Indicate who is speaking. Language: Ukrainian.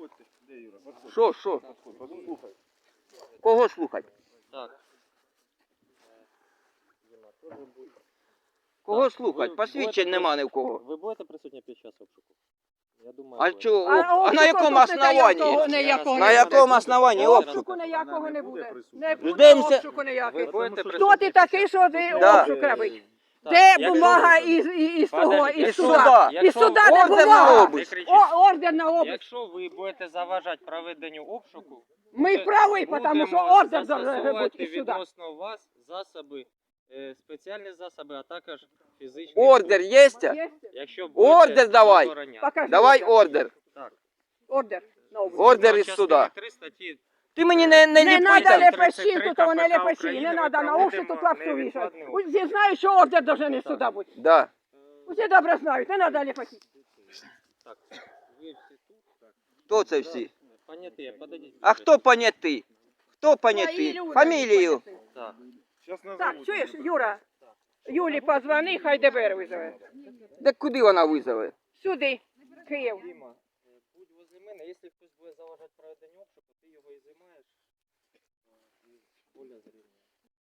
Speaker 1: Подходьте. Де Юра? Подходь.
Speaker 2: Що?
Speaker 1: Послухай.
Speaker 2: Кого слухати?
Speaker 3: Так.
Speaker 2: Кого слухати? Посвідчень нема ні в кого.
Speaker 3: Ви будете присутні під час обшуку? Я думаю,
Speaker 2: А
Speaker 3: будете.
Speaker 2: чого? А на якому основанні?
Speaker 4: ніякого
Speaker 2: На
Speaker 4: не
Speaker 2: якому основанні обшук?
Speaker 4: Обшуку ніякого не буде. Не буде
Speaker 2: Ждемося.
Speaker 4: обшуку ніякого.
Speaker 3: Ви будете
Speaker 4: Хто
Speaker 3: присутні
Speaker 4: ти
Speaker 3: під час
Speaker 4: такий, що ти
Speaker 2: Да.
Speaker 4: обшук робить?
Speaker 3: Так,
Speaker 4: Де
Speaker 3: якщо
Speaker 4: бумага
Speaker 3: ви-
Speaker 4: із того,
Speaker 3: Подождіть,
Speaker 4: із
Speaker 2: із
Speaker 4: суда?
Speaker 2: суда.
Speaker 4: Із суда де
Speaker 2: Ордер на
Speaker 4: бумага?
Speaker 2: обиск.
Speaker 3: Не кричіть.
Speaker 4: Ордер на обиск.
Speaker 3: Якщо ви будете заважати проведенню обшуку,
Speaker 4: Ми праві, тому що ордер должен бути із суда.
Speaker 3: відносно вас засоби, спеціальні засоби, а також фізичні.
Speaker 2: Ордер є?
Speaker 4: Є?
Speaker 3: Якщо
Speaker 2: Ордер давай.
Speaker 4: Покажи.
Speaker 2: Давай ордер.
Speaker 3: Так.
Speaker 4: Ордер на обиск.
Speaker 2: Ордер із суда.
Speaker 3: 3 статті.
Speaker 2: Ти мені не
Speaker 4: Не
Speaker 2: ліпи
Speaker 4: треба
Speaker 2: там.
Speaker 4: лепеші, тут вони
Speaker 3: КПК
Speaker 4: лепеші,
Speaker 3: України,
Speaker 4: не
Speaker 3: ви
Speaker 4: треба на
Speaker 3: проводимо
Speaker 4: обшук, тут лапшу вішать.
Speaker 3: невідкладний
Speaker 4: Усі знають, що ордер должен із суда бути.
Speaker 2: Да.
Speaker 4: Усі добре знають, не треба лепеші.
Speaker 3: Так. Ви всі тут? Так.
Speaker 2: Хто це всі?
Speaker 3: Поняті, подойдіть.
Speaker 2: А хто понятий? Хто понятий?
Speaker 4: Твої люди,
Speaker 2: Фамілію.
Speaker 3: Так.
Speaker 1: Сейчас назову.
Speaker 4: Так, чуєш, Юра? Юлі позвони, хай ДБР визове.
Speaker 2: Де куди вона визове?
Speaker 4: Сюди, Київ.
Speaker 3: Діма, будь возле мене, якщо хтось буде заважати проведенню обшуку, ти його і знімаєш. І поля зрівня.